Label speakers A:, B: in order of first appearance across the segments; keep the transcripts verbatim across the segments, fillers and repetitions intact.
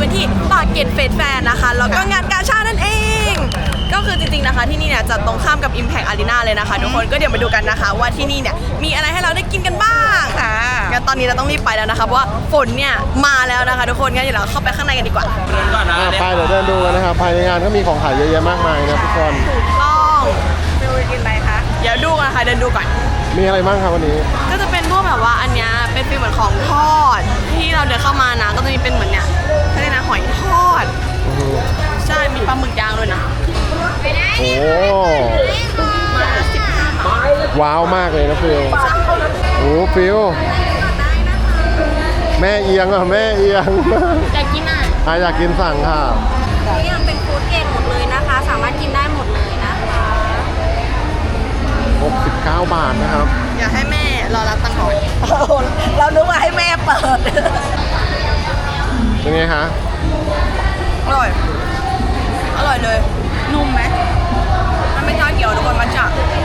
A: กันที่ปากเกร็ดเฟสแฟร์นะคะแล้วก็งานกาชาดนั่นเองก็คือจริงๆนะคะที่นี่เนี่ยจะตรงข้ามกับ Impact Arena เลยนะคะทุกคนก็เดี๋ยวมาดูกันนะคะว่าที่นี่เนี่ยมีอะไรให้เราได้กินกันบ้างค่ะงั้นตอนนี้เราต้องรีบไปแล้วนะคะเพราะว่าฝนเนี่ยมาแล้วนะคะทุกคนงั้นเดี๋ยวเราเข้าไปข้างในกันดีกว่า
B: ไปเดี๋ยวเดินดูกันนะครับภายในงานก็มีของขายเยอะแยะมากมายนะทุกคน
A: ถูกต้อง
C: ฟิวกินอะไรคะ
A: เดี๋ยวดูกันนะคะเดินดูก่อน
B: มีอะไรบ้างครับวันนี้
A: ก็จะเป็นพวกแบบว่าอันเนี้ยเป็นฟีลเหมือนของทอดที่เราเดินเข้ามานะก็จะมีเป็นเหมือนเนี่ยเขาเรียกนะหอยทอดใช่มีปลาหมึกย่างด้วยนะ
B: โอ้
A: มาสิบห้าบาท
B: ว้าวมากเลยนะฟิวโอ้ฟิวแม่เอียงอ่ะแม่เอียง
A: อยากกินอ่ะ
B: อ่ะอยากกินสั่งค่ะ
A: นี่ยังเป็นฟู้ดเกรดหมดเลยนะคะสามารถกินได้หมดเลยนะคะ
B: หกสิบเก้าบาทนะครับ
A: อยากให้แม่รอรับตังค์ก่อน
C: เรานึกว่าให้แม่เปิด
B: เป็นไงคะ
A: อร่อยอร่อยเลยนุ่มไหมมันไม่ชาเขียวทุกคนมันจะ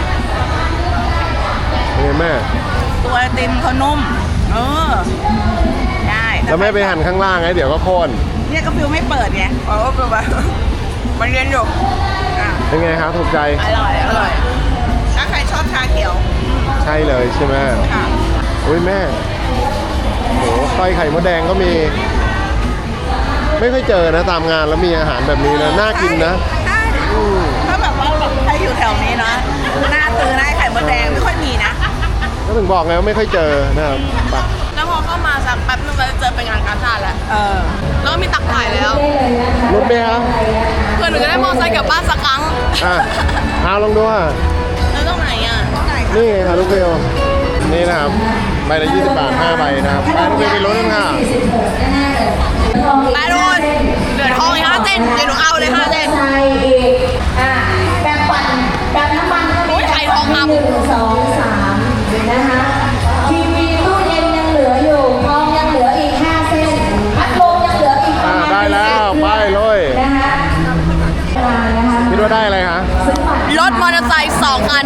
B: เป็นไงแม่
C: ตัวไอติมเขานุ่มเออได้
B: แล้วแม่ไปหั่นข้างล่างไงเดี๋ยวก็โค่น
C: เนี่ยก็ฟิวไม่เปิดไง
A: อ๋อเป็นแบบมันเรียนอยู่
B: เป็นไงครับถูกใจ
C: อร่อยอร่อยถ้าใครชอบชาเขียว
B: ใช่เลยใช่ไหม
C: ค่ะ
B: อุ้ยแม่โหไส้ไข่มดแดงก็มีไม่ค่อยเจอนะตามงานแล้วมีอาหารแบบนี้นะน่ากินนะ
C: ใช่ถ้าแบบว่าแบบใครอยู่แถวนี้นะหน้าตื้อหน้าไข่มดแดงไม่ค่อยมีนะ
B: ก็ถึงบอกไงว่าไม่ค่อยเจอนะครับ
A: แล้วพอเข้ามาสักแป๊บนึงเราจะเจอเป็นงานกาชาดแล้ว
C: เออ
A: แล้วก็มีตักถ่ายแล้ว
B: รถไหมครับ
A: เพื่อนหนูจะได้มอเตอร์ไซค์กลับบ้านสักครั้ง
B: อ่ะเอาลองดูอ่ะ
A: แล้วตรงไหนอ่ะ
B: นี่ไงครับลูกเบลนี่นะครับใบละยี่สิบบาทห้าใบนะครับไปลูกเบลไปลุ้นกันค่ะ
A: ไปโดนเหลือทองอีกห้าเส้นเดี๋ยวหนูเอาเลยห้าเส้น
D: แปรงฟันแปรงน้ำมันก็มี
A: ไข่ทองคำ
D: หนึ่งสองสามนะคะทีวีตู้เย็นยังเหลืออยู่ทองยังเหลืออีกห้าเส้นพัดลมยังเหลืออีกประมาณ
B: ได้แล้วไปเลย
D: นะคะ
B: คิดว่าได้อะไรคะ
A: รถมอเตอร์ไซค์สองคัน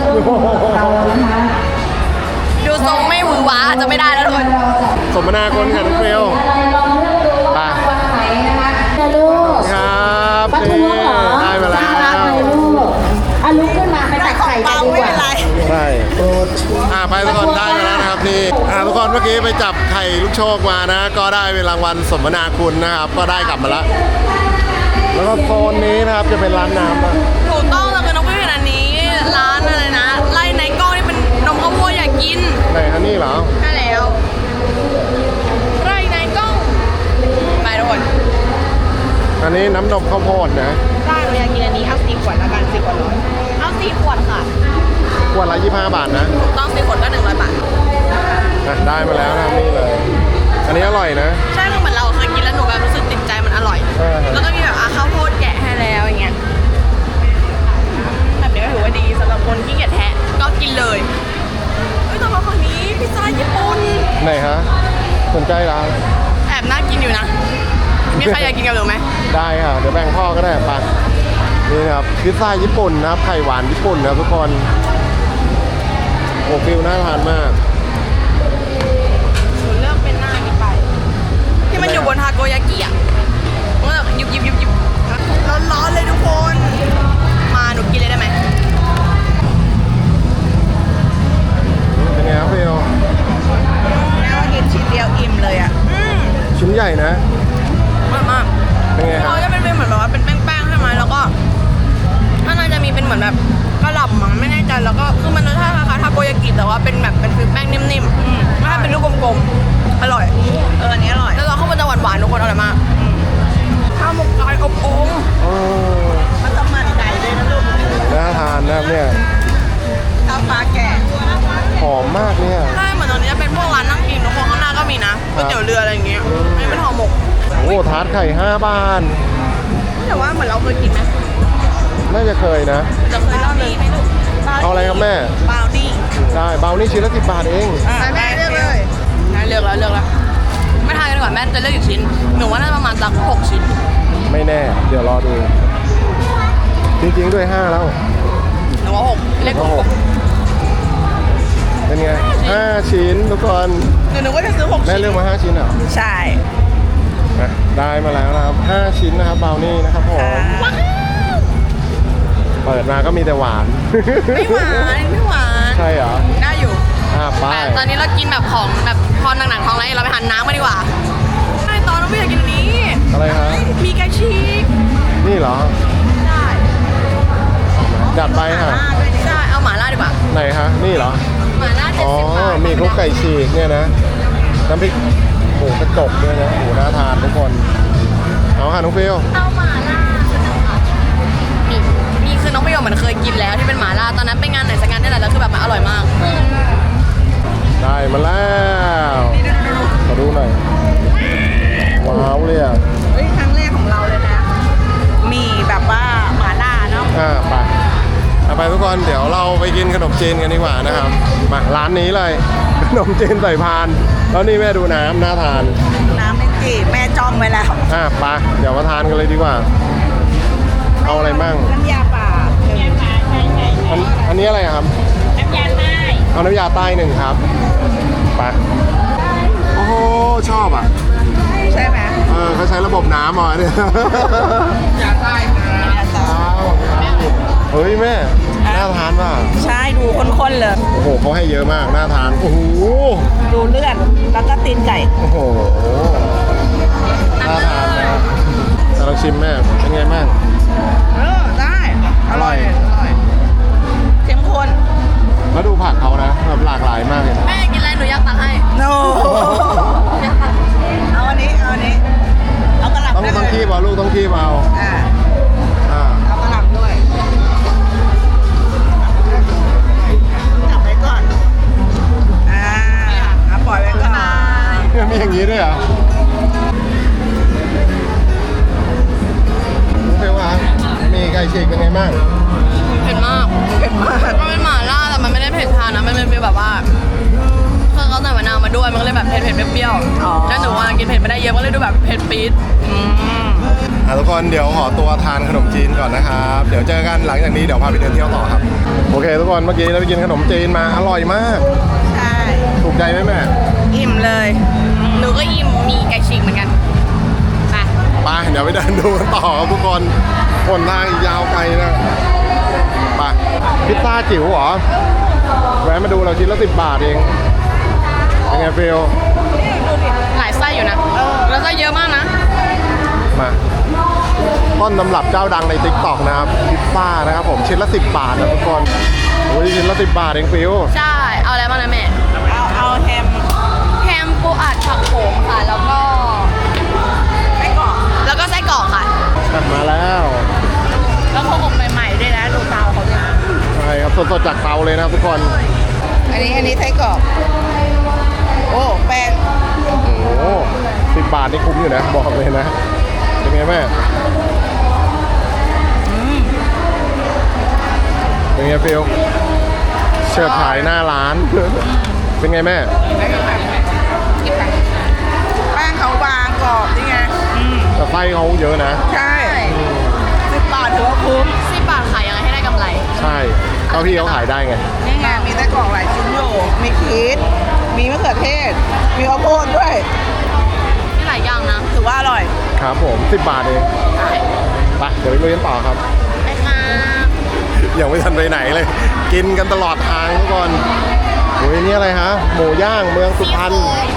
A: ดูทรงไม่หวือหวาจะไม่ได้แล้วทุกคน
B: สมนาคุณค่ะลูกเบลไป
D: ลูก
B: ครับ
D: ประท้วงเหรอ
B: ได้มาแล้ว
D: ลูกอ่ะลุกขึ้นมาไปตักไข่กันดีกว่า
B: ใช่อ่าไปทุกคนได้มาแล้วนะครับนี่อ่าทุกคนเมื่อกี้ไปจับไข่ลูกโชคมานะก็ได้เป็นรางวัลสมนาคุณนะครับก็ได้กลับมาแล้วแล้วก็โซนนี้นะครับจะเป็นร้านน้ำนะ
A: ถูกต้องแล้วคือน้องพี่เห็นอันนี้ร้านอะไรนะไล่ในกล้องนี่เป็นนมข้าวโพดอยากกิน
B: ไหนฮะนี่เหรอ
A: ใช่แล้วไล่ในกล้องไปทุกคน
B: อันนี้น้ำนมข้าวโพดนะ
A: ได้เราอยากกินอันนี้เอาสี่ขวดละกันสี่ขวดร้อยเอาสี่ขวดค่ะ
B: ขวดละยี่สิบห้าบาทนะ
A: ถูกต้องสี่ขวดก็หนึ่งร้อยบาท
B: ได้มาแล้วนะนี่เลยอันนี้อร่อยนะ
A: ใช่คือเหมือนเราเคยกินแล้วหนูแบบรู้สึกติดใจมันอร่อยแล้วก็มีแบบข้าวโพดแกะให้แล้วอย่างเงี้ยแบบนี้ก็ถือว่าดีสำหรับคนที่เกียจแทะก็กินเลยเฮ้ยแต่ว่าฝั่งนี้พิซซ่าญี่ปุ่น
B: ไหนฮะสนใจร้าน
A: แอบน่ากินอยู่นะมีใครอยากกินกับหนูไหม
B: ได้ค่ะเดี๋ยวแบ่งพ่อก็ได้ปะนี่นะครับพิซซ่าญี่ปุ่นนะครับไข่หวานญี่ปุ่นนะครับทุกคนโอ้ฟิลน่าทานมาก
A: หนูเลือกเป็นหน้านี้ไปที่มันอยู่บนทาโกยากิอ่ะมันแบบยุบยุบยุบยุบร้อนๆเลยทุกคนมาหนูกินเลยได้ไหม
B: เป็นไงครับฟิล
C: แม่ว่ากินชิ้นเดียวอิ่มเลยอ่ะ
B: ชิ้นใหญ่นะ
A: มากมาก
B: เป็นไงครับ
A: เขาจะเป็นเหมือนแบบว่าเป็นแป้งๆใช่ไหมแล้วก็ข้างในจะมีเป็นเหมือนแบบกระหล่ำมั้งไม่แน่ใจแล้วก็คือมันรสชาติคล้ายๆทาโกยากิแต่ว่าเป็นแบบเป็นฟิลแป้งนิ่มๆไม่ใช่เป็นลูกกลมๆอร่อย
C: เอออันนี้อร่อย
A: แล้วเราเข้ามาจะหวานๆทุกคนอร่อยมากข้าวหมกไก่อบโอ่ง
C: มันจะมันไก่ด้วยนะลูก
B: น่าทานนะครับเนี่ย
C: ข้าวปลาแกะ
B: หอมมากเนี่ย
A: ใช่เหมือนตอนนี้จะเป็นพวกร้านนั่งกินทุกคนข้างหน้าก็มีนะก๋วยเตี๋ยวเรืออะไรอย่างเงี้ยนี่เป็นห่อหมก
B: โอ้ทาร์ตไข่ห้าบาท
A: แต่ว่าเหมือนเราเคยกินไหม
B: น่าจะเคยนะ
A: จะเคยเล่านี้ไหมลูก
B: เอาอะไรครับแม่
C: บาวนี่
B: ได้บาวนี่ชิ้นละสิบบาทเอง
A: แม่เลือกเลยเลือกแล้วเลือกแล้วไม่ทานกันก่อนแม่จะเลือกอีกชิ้นหนูว่าน่าจะประมาณสักหกชิ้น
B: ไม่แน่เดี๋ยวรอดูจริงๆด้วยห้าแล้ว
A: หนูว่าหกเลขหก
B: เป็นไงห้าชิ้นทุกคน
A: หนูนึกว่าจะซื้อหกชิ้น
B: แม่เลือกมาห้าชิ้นเหรอ
C: ใช่
B: อนะได้มาแล้วนะครับห้าชิ้นนะครับเบลนี่นะครับผมเปิดมาก็มีแต่หวาน
A: ไม่หวานไม่หวาน
B: ใช่เหรอ
A: ได้อยู่
B: อ่าไป
A: แต่ตอนนี้เรากินแบบของแบบพอหนักๆท้องแล้วเราไปหันน้ำกันดีกว่าใช่ตอนเราไม่อยากกินอันนี้
B: อะไรฮะ
A: มีไก่ฉีก
B: นี่เหรอ
A: ได้
B: จัดไปฮะ
A: ใช่เอาหม่าล่าดีกว่า
B: ไหนฮะนี่เหรอ
A: หม่าล่าเจ็ด
B: อ๋อ
A: สิบบาท
B: มีคลุกไก่ฉีกเนี่ยนะน้ำพริกหมูกระจกด้วยนะหมูน่าทานทุกคนเอาค่ะน้องฟิว
A: เอาหม่าล่านี่นี่คือน้องประโยชน์เหมือนเคยกินแล้วที่เป็นหม่าล่าตอนนั้นไปงานไหนสักงานนี่แหละแล้วคือแบบมันอร่อยมาก
B: ได้มาแล้วขอดูหน่อยว้าวเลยอ่ะ
C: เฮ้ยครั้งแรกของเราเลยนะ มีแบบว่าหมาล่าเนาะ
B: อ่าไปเอาไปทุกคนเดี๋ยวเราไปกินขนมจีนกันดีกว่านะครับมาร้านนี้เลย ขนมจีนใส่พานแล้วนี่แม่ดูน้ำน่าทาน
C: น้ำเป็นจีแม่จ้องไว้แล้ว
B: อ่ะไปเดี๋ยวมาทานกันเลยดีกว่า เอาอะไรมั่ง
C: น้ำยาป่าน้ำยาป่าใช่ใช่
B: อันอันนี้อะไรครับ
C: น้ำยาใต้
B: เอาน้ำยาใต้หนึ่งครับไปโอ้โหชอบอ่ะ
C: ใช่ไหม
B: เออเขาใช้ระบบน้ำอ่ะเนี่ย
C: น้ำยาใต้น้ำยาใต้
B: เฮ้ยแม่น่าทานป่ะ
C: ใช่ดูข้นๆเลย
B: โอ้โหเขาให้เยอะมากน่าทานโอ้โห
C: ดูเลือดแล้วก็ตีนไก่
B: โอ้โหน่าทานนะแต่ลองชิมแม่เป็นไงบ้าง
C: เออได้อร่อยอร่อยเข้มข้น
B: แล้วดูผักเขานะแบบหลากหลายมากเลยนะ
A: แม่กินอะไรหนูอยากตักให้
C: โนเอาอันนี้เอาอันนี้เอากระหล่ำ
B: ต้อง
C: ได้
B: ต้อง
C: เล
B: คี
C: ย
B: บเอาลูกต้องคีบเอา
C: อ่า
B: อ่า
C: เอากระหล่ำด้วยจับไว้ก่อนอ่าเอาปล่อยไว้ก่อน
B: เนี่ยมีอย่างนี้ด้วยเหรอเฟลว่ามีไก่ฉีกเป็นไงบ้าง
A: เผ็ดมาก
C: เผ็ดมาก
A: มันเป็นหม่าล่าแต่มันไม่ได้เผ็ดทานนะมันเป็นฟีลแบบว่าคือเขาใส่มะนาวมาด้วยมันก็เลยแบบเผ็ดเผ็ดๆเปรี้ยวๆแล้วหนูว่ากินเผ็ดไม่ได้เยอะก็เลยดูแบบเผ็ดปี๊ด
B: อ่ะทุกคนเดี๋ยวขอตัวทานขนมจีนก่อนนะครับ เดี๋ยวเจอกันหลังจากนี้เดี๋ยวพาไปเดินเที่ยวต่อครับ โอเค ทุกคนเมื่อกี้เราไปกินขนมจีนมาอร่อยมาก
C: ใช่
B: ถูกใจไหมแม่
C: อิ่มเลย
A: หนูก็อิ่มมีไก่ฉีกเหมือนกันไป
B: ไปเดี๋ยวไปเดินดูกันต่อครับทุกคนคนทางอีกยาวไกลนะไปพิซซ่าจิ๋วเหรอแวะมาดูเราชิ้นละสิบบาทเองเป็นไงฟิล
A: หลายไส้อยู่นะแล้วไส้เยอะมากนะ
B: มาต้นตำรับเจ้าดังใน ติ๊กต็อก นะครับพิซซ่านะครับผมชิ้นละสิบบาทนะทุกคนโอ้ยชิ้นละสิบบาทเองฟิล
A: ใช่เอาอะไรบ้างนะแม่
C: เอาเอาแฮม
A: แฮมปูอัดผักโขมค่ะแล้วก็
C: ไส้กรอก
A: แล้วก็ไส้กรอกค่ะ
B: อ่ะมาแล้ว
C: แล้วเขาอบใหม่ๆด้วยนะดูเตาเขาด้วยนะ
B: ใช่ครับสดๆจากเตาเลยนะครับทุกคน
C: อันนี้อันนี้ไส้กรอกโอ้แป้ง
B: โอ้โหสิบบาทนี่คุ้มอยู่นะบอกเลยนะเป็นไงแม่เป็นไงฟิลเชิดฉายหน้าร้าน เป็นไงแม่
C: แป้งเขาบางกรอบนี่ไงอืม
B: แต่ไส้เขาเยอะนะ
C: ใช่สิบบาทถือว่าคุ้ม
A: สิบบาทขายยังไงให้ได้กำไร
B: ใช่เท่าที่เขาขายได้ไง
C: นี่ไงมีไส้กรอกหลายชิ้นอยู่มีชีสมีมะเขือเทศ มีข้าวโพดด้วย
A: มีหลายอย่างนะ
C: ถือว่าอร่อย
B: ครับผมสิบบาทเอง
A: ใช่
B: ไปเดี๋ยวไปลุยกันต่อครับ
A: ไปค่ะ
B: ยังไม่ทันไปไหนเลย กินกันตลอดทางทุกคนโอ้ยนี่อะไรฮะหมูย่างเมืองสุพรรณ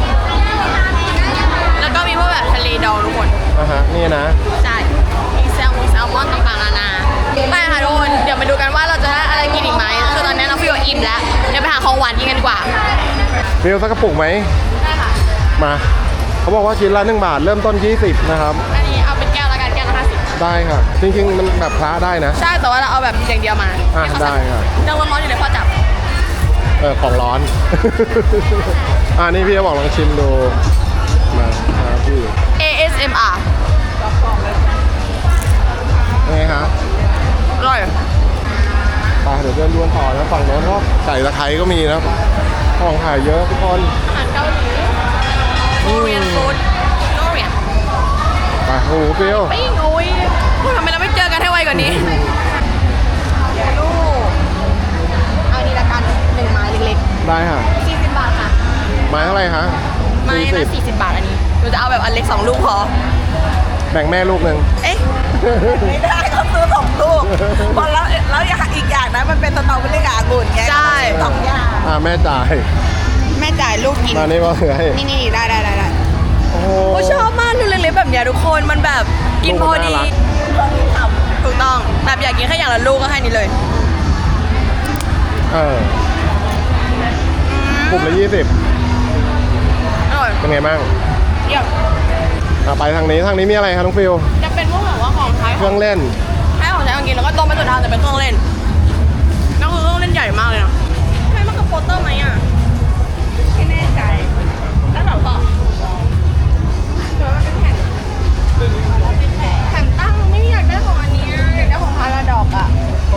A: แล้วก็มีพวกแบบทะเลดองทุกคน
B: นะฮะนี่นะ
A: ใช่ มีแซลมอนแซลมอนต่างๆนานาไปค่ะทุกคน เดี๋ยวมาดูกันว่าเราจะได้อะไรกินอีกไหมคือตอนนี้น้องฟิวอิ่มแล้ว เดี๋ยวไปหาของหวานกินกันดีกว่า
B: ฟิลสักกระปุกไหม
A: ได้ค่ะ
B: มาเขาบอกว่าชิ้นละหนึ่งบาทเริ่มต้นยี่สิบนะครับ
A: อันนี้เอาเป็นแก้วละกันแก้วละห้าสิบ
B: ได้ค่ะ จริงๆมันแบบพระได้นะ
A: ใช่ แต่ว่าเราเอาแบบอย่างเดียวมา
B: อ่ะ
A: ให้เขา
B: ได้ค่ะ
A: เรื่องร้อนๆอยู่ในพ่อจับ
B: เออของร้อน อ่านี่พี่จะบอกลองชิมดูมาครับพี่
A: เอ เอส เอ็ม อาร์
B: ยังไงฮะ
A: อร่อย
B: ไปเดี๋ยวเดินดวนต่อนะฝั่งโน้นก็ไก่ตะไคร้ก็มีนะของขายเยอะทุกคน
A: อาหารเกาหลีโคเรียนฟู้ดโคเรียน
B: ไปโอ้โหฟิล
A: ปิ้งโอ้ยพูดทำไมเราไม่เจอกันให้ไวกว่านี้ลูกเอาอันนี้ละกันหนึ่งไม้เล็ก
B: ได้ค่ะ
A: ๆสี่สิบบาทค่ะ
B: ไม้เท่าไหร่ฮะ
A: ไม้ละ
B: สี่สิบ
A: สี่สิบบาทอันนี้นูจะเอาแบบอันเล็กสองลูกพอ
B: แบ่งแม่ลูกหนึ่ง
A: เอ๊ะ
C: ไม่ได้เขาซื้อสองลูกพอแล้วแล้วอีกอย่างนะมันเป็นสตรอเบอรี่กับองุ่นไง
A: ใช่
C: สองอย่าง
B: อ่าแม่จ่าย
C: แม่จ่ายลูกกิน
B: มานี่ว่าไง
C: นี่นี่ได้ได้ได้ได้
B: โอ้โห
A: โอ้ชอบมากลูกเล็กๆแบบเนี้ยทุกคนมันแบบกินพอดี
B: ลูกน่ารัก
A: ถูกต้องแบบอยากกินแค่อย่างละลูกก็ให้นี่เลย
B: เออ กลุ่มละยี่สิบ
A: อร่อย
B: เป็นไงบ้าง
A: เยี่ยม
B: อ่ะไปทางนี้ทางนี้มีอะไรคะน้องฟิว
A: จะเป็นพวกแบบว่าของใช้
B: เครื่องเล่น
A: ใช้ของใช้ของกินแล้วก็ตรงไปสุดทางจะเป็นเครื่องเล่นก็คือเครื่องเล่นใหญ่มากเลยนะใช่มันคือโปสเตอร์ไหมอ่ะ
C: ไม่แน่ใจ
A: แล้วแบบก็เดี๋ยวมันเป็นแผ่นแผ่นตั้งไม่อยากได้ของอันนี้อะอยากได้ของพาราดอกอ่ะ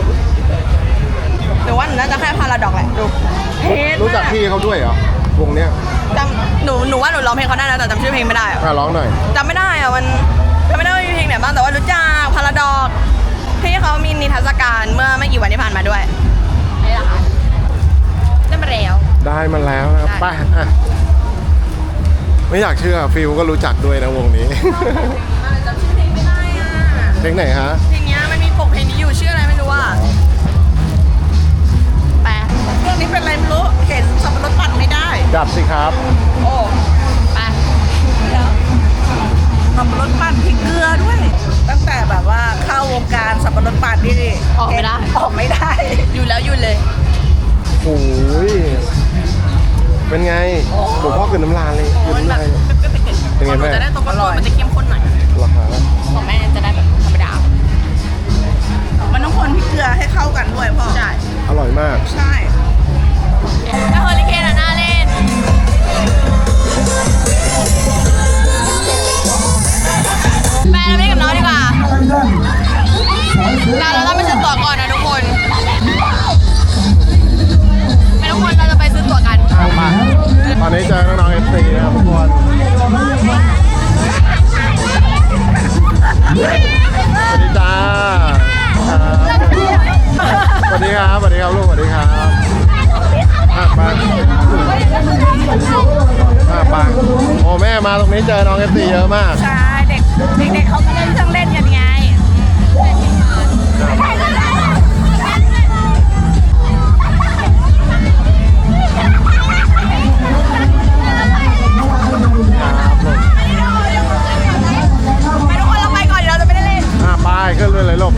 A: หรือว่าหนูน่าจะแค่พาราดอกแหละดูเท่มาก
B: รู้จักพี่เขาด้วยเหรอ วงเนี้ย
A: จำหนูหนูว่าหนูร้องเพลงเขาได้นะแต่จำชื่อเพลงไม่ได้อะ
B: อ่ะร้องหน่อย
A: จำไม่ได้อะมันจำไม่ได้ว่ามีเพลงไหนบ้างแต่ว่ารู้จักพาราดอกที่เขามีนิทรรศการเมื่อไม่กี่วันที่ผ่านมาด้วยนี่แหละค่ะได้มาแล้ว
B: ได้มาแล้วนะครับ
A: ได้
B: ไปอ่ะไม่อยากเชื่อฟิวก็รู้จักด้วยนะวงนี้
A: อะไรจำชื่อเพลงไม่ได้อะ
B: เพลงไหนฮะ
A: เพลงเนี้ยมันมีปกเพลงนี้อยู่ชื่ออะไรไม่รู้อ่ะแปล
C: เครื่องนี้เป็นอะไรไม่รู้เห็นสับปะรดปั่นไม่ได้
B: จับสิครับ
A: โอ้ไป
C: สับปะรดปั่นพริกเกลือด้วย ตั้งแต่แบบว่าเข้าวงการสับปะรดปั่นนี่
A: ออกไม่ได้
C: ออกไม่ได้
A: อยู่แล้วอยู่เลย
B: โอ้ยเป็นไงหลวงพ่อคืนน้ำลายเลย
A: โอ้
B: คืน
A: มันแบ
B: น้ำ
A: บ
B: ลาย เป็นไง
A: ของหนู
B: แม่
A: จะได้ตัวก้นๆมันจะเข้มข้นหน่อย
B: เหรอคะ
A: ของแม่จะได้แบบธรรมดา
C: มันต้องคนพริกเกลือให้เข้ากันด้วยพ่อ
A: ใช่
B: อร่อยมาก
C: ใช่
A: ถ้าเฮอริเคนอะน่าเล่นแม่เราไปเล่นกับน้องดีกว่าแต่เราต้องไปซื้อตั๋วก่อนนะทุกคนไปทุกคนเราจะไปซื้อตั๋วกัน
B: อ่ะมาตอนนี้เจอน้องๆเอฟซีนะครับทุกคนสวัสดีจ้าครับสวัสดีครับ สวัสดีครับลูก สวัสดีครับอ่ะไปอ่ะไปโอ้แม่มาตรงนี้เจอน้องเอฟซีเยอะมาก
C: ใช่เด็กเด็กๆเขามาเล่นเครื่องเล่นกันไง
A: ไปทุกคนเราไปก่อนเดี๋ยวเราจะไม่ได้เล่น
B: อ่ะไปขึ้นเลยเลยลูก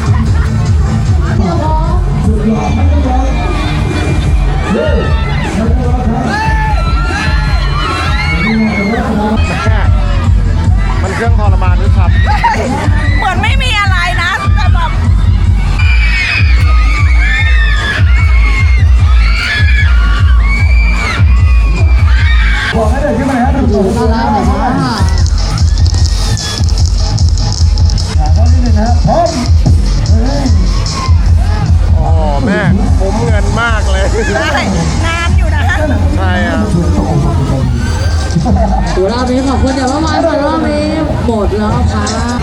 B: แม่มันเครื่องทรมานหรือครับ
C: เหมือนไม่มีอะไรนะแต่แบบ
B: โอ้แม่คุ้มเงินมากเลย
C: ได้นานอยู่นะ
B: ใช่อ่ะ
D: เดี๋ยวรอบนี้ขอบคุณเดี๋ยวว่ามารอบนี้หมดแล้วค่ะ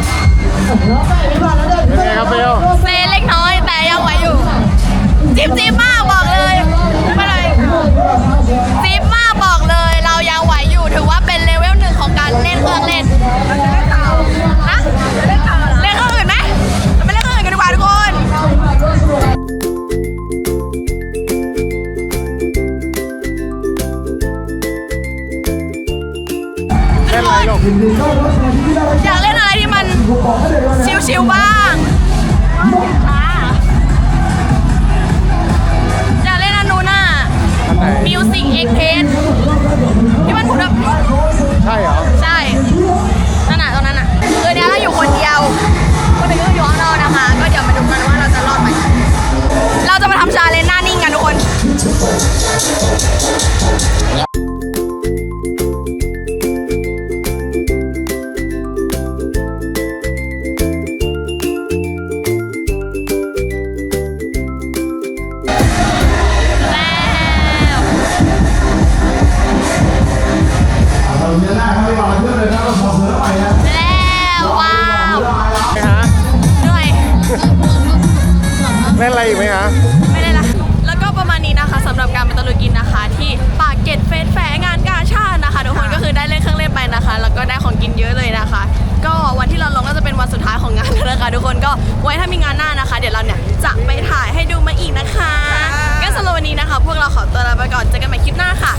B: เป็นไงครับเบล
A: เซเล็กน้อยแต่ยังไหวอยู่ จิ๊บจิ๊บมากบอกเลยไม่เลยจิ๊บมากบอกเลย เรายังไหวอยู่ถือว่าเป็นเลเวลหนึ่งของการเล่นเครื่องเล่นฮะเล่นเครื่องอื่นไหมเราไปเล่นเครื่องอื่นกันดีกว่าทุกคน
B: เล่นอะไรลูก
A: อยากเล่นอะไรที่มันชิวๆบ้าง อยากเล่นอันนู้นน่ะ
B: อันไหน
A: Music Express ที่มันหมุนแบบ
B: ใช่เหรอ
A: ใช่ นั่นน่ะตรงนั้นน่ะคือเนี้ยเราอยู่คนเดียว คนอื่นก็อยู่ข้างนอกนะคะ ก็เดี๋ยวมาดูกันว่าเราจะรอดไหม เราจะมาทำชาเลนจ์หน้านิ่งกันทุกคน แล้วว้าว
B: ไหมฮะ
A: เหนื่อย
B: เล่นอะไรอีกไหมฮะ
A: ไม่ได้ละแล้วก็ประมาณนี้นะคะสำหรับการไปตะลุยกินนะคะ ที่ปากเกร็ดเฟสหน้านะคะ เดี๋ยวเราเนี่ยจะไปถ่ายให้ดูมาอีกนะคะงั้นสำหรับวันนี้นะคะ พวกเราขอตัวลาไปก่อนเจอกันใหม่คลิปหน้าค่ะ